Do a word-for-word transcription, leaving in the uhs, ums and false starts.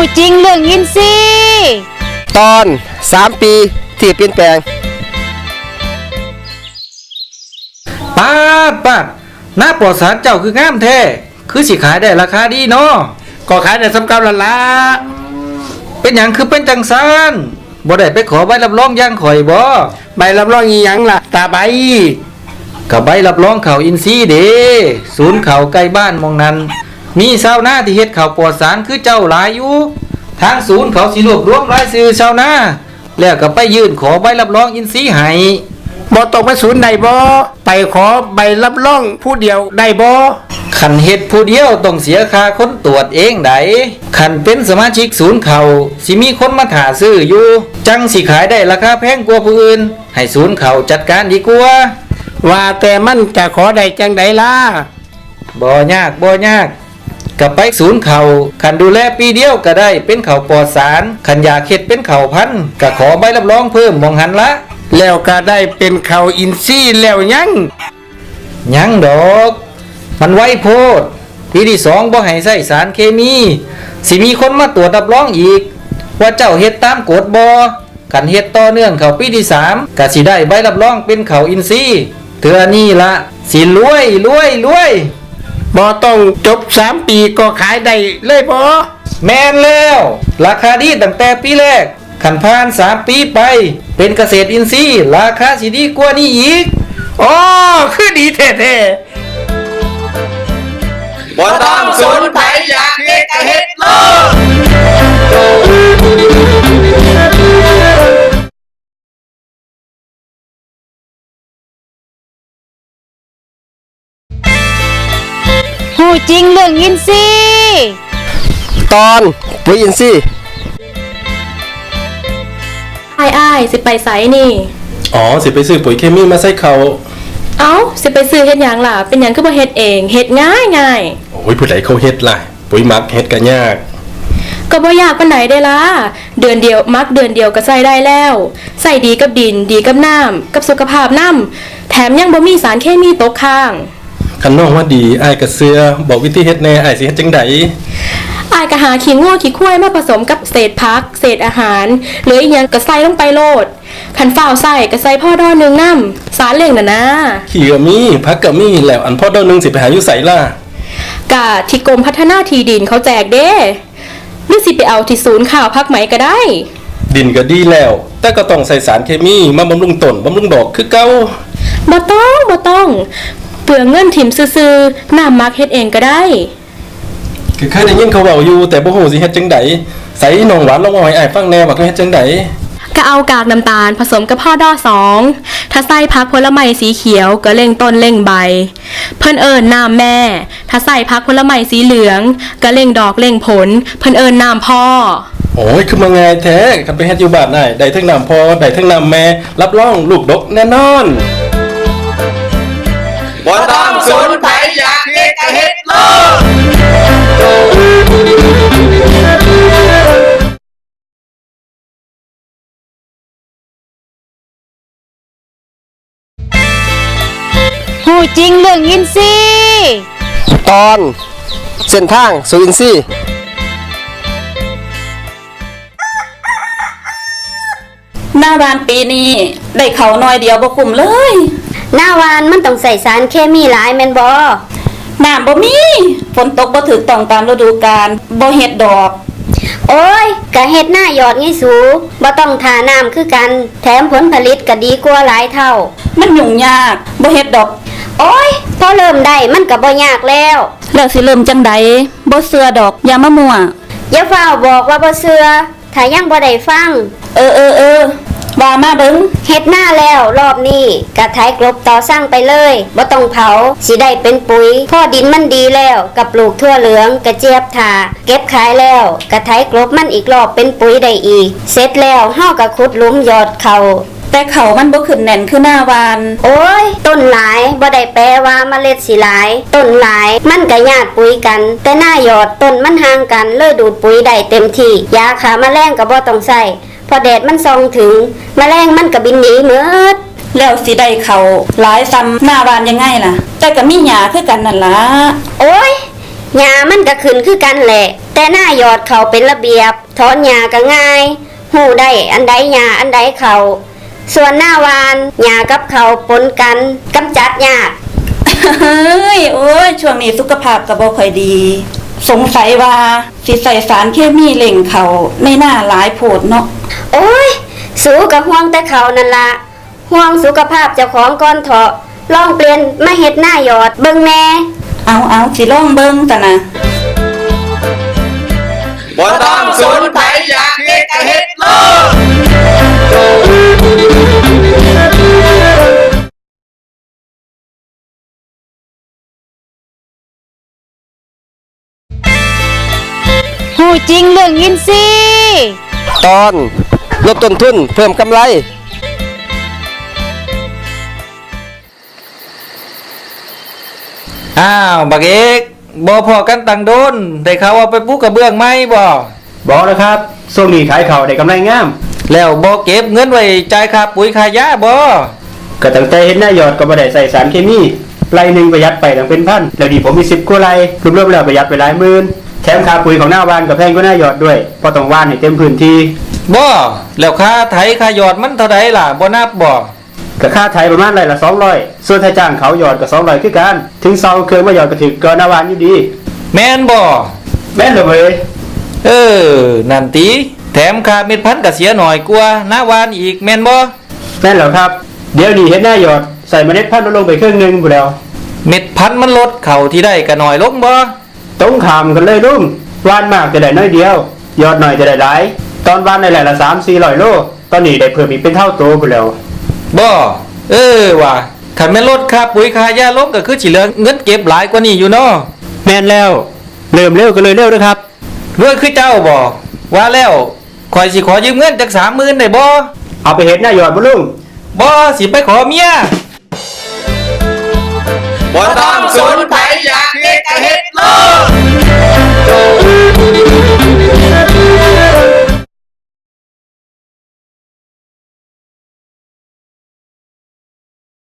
จริงเรื่องอินซีตอนสามปีที่เปลี่ยนแปลงป้าดป้าดหน้าปลอดสารเจ้าคืองามแท้คือสิขายได้ราคาดีเนาะก็ขายได้สำกับละละเป็นอย่างคือเป็นจังซันบ่ได้ไปขอใบรับรองย่างข่อยบ่ใบรับรองอีหยังล่ะตาใบกับใบรับรองเขาอินซีเด้ศูนย์เขาใกล้บ้านมองนั้นมีชาวนาที่เฮ็ดเขาปลอดสารคือเจ้าหลายอยู่ทางศูนย์เขาสิรวบรวมรายชื่อชาวนาแล้วก็ไปยื่นขอใบรับรองอินซีให้บ่ต้องไปศูนย์ใดบ่ไปขอใบรับรองผู้เดียวได้บ่ขันเฮ็ดผู้เดียวต้องเสียค่าคนตรวจเองไดขันเป็นสมาชิกศูนย์เขาสิมีคนมาถาซื้ออยู่จังสิขายได้ราคาแพงกว่าผู้อื่นให้ศูนย์เขาจัดการดีกว่าว่าแต่มันจะขอได้จังไดล่ะบ่ยากบ่ยากก็ไปศูนย์เขาขันดูแลปีเดียวก็ได้เป็นเขาปลอดสารขันอยากเฮ็ดเป็นเขาพันธุ์ก็ขอใบรับรองเพิ่มมองหันละแล้วก็ได้เป็นเขาอินทรีย์แล้วยังยังดอกมันไวโพดปีที่สองบ่ให้ใส่สารเคมีสิมีคนมาตรวจรับรองอีกว่าเจ้าเฮ็ดตามกฎบ่ขันเฮ็ดต่อเนื่องเขาปีที่สามก็สิได้ใบรับรองเป็นเขาอินทรีย์เทื่อนี้ละสิรวยรวยรวยบ่ต้องจบสามปีก็ขายได้เลยบ่แม่นแล้วราคาดีตั้งแต่ปีแรกขันผ่านสามปีไปเป็นเกษตรอินทรีย์ราคาสิดีกว่านี้อีกอ๋อคือดีแท้ๆบ่ต้องสนไผอยากเฮ็ดก็เฮ็ดโลดหูจริงเรื่องอินซีตอนปุ๋ยอินทรีย์อ้ายอ้ายสิไปไสนี่อ๋อสิไปซื้อปุ๋ยเคมีมาใส่เขาเอ้าสิไปซื้อเฮ็ดหยังล่ะเป็นหยังคือบ่เฮ็ดเองเฮ็ดง่ายง่ายโอ้ยผู้ใดเขาเฮ็ดล่ะปุ๋ยหมักเฮ็ดก็ยากก็บ่ยากปานใดเด้ล่ะเดือนเดียวมักเดือนเดียวก็ใส่ได้แล้วใส่ดีกับดินดีกับน้ำกับสุขภาพน้ำแถมยังบ่มีสารเคมีตกค้างคันน้องว่าดีอ้ายก็เชื่อบอกวิธีเฮ็ดแน่อ้ายสิเฮ็ดจังได๋อ้ายก็หาขี้งัวขี้ควายมาผสมกับเศษผักเศษอาหารหรืออีหยังก็ใส่ลงไปโลดคันฝ้าวใส่ก็ใส่พ่อดอนึงนำสารเล่งน่ะนะขี้ก็มีผักก็มีแล้วอันพ่อดอนึงสิไปหาอยู่ไสล่ะกะที่กรมพัฒนาที่ดินเขาแจกเด้หรือสิไปเอาที่ศูนย์ข่าวพักไหมก็ได้ดินก็ดีแล้วแต่ก็ต้องใส่สารเคมีมาบำรุงต้นบำรุงดอกคือเก่าบ่ต้องบ่ต้องเปลืองเงินถิ่มซื่อๆน้ำมักเฮ็ดเองก็ได้คือเคยได้ยินเขาเว้าอยู่แต่บ่ฮู้สิเฮ็ดจังได๋ใส่น้องหวานลองเอาให้อ้ายฟังแน่ว่าเขาเฮ็ดจังได๋ก็เอากากน้ำตาลผสมกับพ่อดอสองถ้าใส่ผักผลไม้สีเขียวก็เล่งต้นเล่งใบเพิ่นเอิ้นน้ำแม่ถ้าใส่ผักผลไม้สีเหลืองก็เล่งดอกเล่งผลเพิ่นเอิ้นน้ำพ่อโอ้ยคือมาง่ายแท้คันไปเฮ็ดอยู่บ้านได้ได้ทั้งน้ำพ่อได้ทั้งน้ำแม่รับรองลูกดกแน่นอนบ่ต้องสนไผอยากเฮ็ดก็เฮ็ดโลหูจริงเรื่องอินซีตอนเส้นทางสู่อินทรีย์หน้าวานปีนี้ได้เขาน้อยเดียวบ่คุ้มเลยหน้าวานมันต้องใส่สารเคมีหลายแม่นบ่น้ำบ่มีฝนตกบ่ถูกต้องตามฤดูกาลบ่เฮ็ดดอกโอ้ยก็เฮ็ดหน้ายอดไงสูบ่ต้องทาน้ำคือกันแถมผลผลิตก็ดีกว่าหลายเท่ามันยุ่งยากบ่เฮ็ดดอกโอ้ยพอเริ่มได้มันก็บ่ยากแล้วแล้วสิเริ่มจังได๋บ่เชื่อดอกอย่ามามั่วอย่าฟ้าวบอกว่าบ่เชื่อถ้ายังบ่ได้ฟังเออเออเออว่ามาเบิ่งเฮ็ดหน้าแล้วรอบนี้กะไถกลบต่อสร้างไปเลยบ่ต้องเผาสิได้เป็นปุ๋ยพอดินมันดีแล้วกับปลูกทั่วเหลืองกระเจี๊ยบถาเก็บขายแล้วกะไถกลบมันอีกรอบเป็นปุ๋ยได้อีกเสร็จแล้วเฮาก็ขุดหลุมหยอดเขาแต่เขามันบ่ขึ้นแน่นคือหน้าวานโอ้ยต้นหลายบ่ได้แปลว่าเมล็ดสิหลายต้นหลายมันก็ญาติปุ๋ยกันแต่หน้าหยอดต้นมันห่างกันเลยดูดปุ๋ยได้เต็มที่ยาฆ่าแมลงก็บ่ต้องใช้พอแดดมันส่องถึงแมลงมันก็บินหนีหมดแล้วสิได้เขาหลายซ้ำหน้าวานยังไงล่ะแต่ก็มีหญ้าคือกันนั่นล่ะโอ้ยหญ้ามันก็ขึ้นคือกันแหละ แต่หน้ายอดเขาเป็นระเบียบถอนหญ้าก็ง่ายหูได้อันใดหญ้าอันใดเขาส่วนหน้าวานหญ้ากับเขาปนกันกำจัดยากเฮ้ยโอ้ยช่วงนี้สุขภาพก็บ่ค่อยดี สงสัยว่าสิใส่สารเคมีเล่งเขาในหน้าหลายโพดเนาะโอ้ยสูกับห่วงแต่เขานั่นละห่วงสุขภาพเจ้าของก่อนเถาะลองเปลี่ยนมาเฮ็ดหน้าหยอดเบิ่งแน่เอาเอาสิลองเบิ่งตะนะบ่ต้องสนไผอยากเฮ็ดก็เฮ็ดโลดหูจริงเรื่องอินซีย์ตอนลดต้นทุนเพิ่มกำไรอ้าวบักเอกบ่พอกันตังโดนได้ข่าวว่าไปปลูกกระเบื้องไหมบ่บอกแล้วครับช่วงนี้ขายเขาวได้กำไรงามแล้วบ่เก็บเงินไว้จ่ายค่าปุ๋ยค่ายาบ่ก็ตั้งแต่เห็นหน้ายอดก็บ่ได้ใส่สารเคมีไร่หนึ่งประหยัดไปตั้งเป็นพันแล้วดีผมมีสิบกว่าไร่รวมๆแล้วประหยัดไปหลายหมื่นแถมค่าปุ๋ยของหน้าบ้านก็แพงกว่าหน้ายอดด้วยเพราะต้องว่านให้เต็มพื้นที่บ่แล้วค่าไถค่าหยอดมันเท่าใดล่ะบ่นับบ่ก็ค่าไถประมาณไร่ละสองร้อยส่วนถ้าจ้างเขาหยอดก็สองร้อยคือกันถึงเซาเครื่องมาหยอดก็ถึงก็หน้าวานอยู่ดีแม่นบ่แม่นเลยเว้ยเออนั่นติแถมค่าเม็ดพันธุ์ก็เสียหน่อยกว่าหน้าวานอีกแม่นบ่แม่นแล้วครับเดี๋ยวนี้เฮ็ดหน้าหยอดใส่เมล็ดพันธุ์ลดลงไปครึ่งหนึงพู่นแล้วเม็ดพันธุ์มันลดเข้าที่ได้ก็น้อยลงบ่ตรงขามกันเลยลุงว่านมากจะได้น้อยเดียว ยอดหน่อยจะได้หลาย ตอนว่านในแหล่ละสามสี่ร้อยโล ตอนนี้ได้เพิ่มอีกเป็นเท่าตัวไปแล้วบ่เออว่ะคันแม่นลดค่าปุ๋ยค่ายาลงก็คือสิเหลือเงินเก็บหลายกว่านี้อยู่เนาะแม่นแล้ว เริ่มเร็วก็เลยเร็วนะครับรวยคือเจ้าบ่ว่าแล้วข่อยสิขอยืมเงินจัก สามหมื่นได้บ่เอาไปเฮ็ดหน้าหยอดบ่ลุงบ่สิไปขอเมียบ่ต้องสนไผ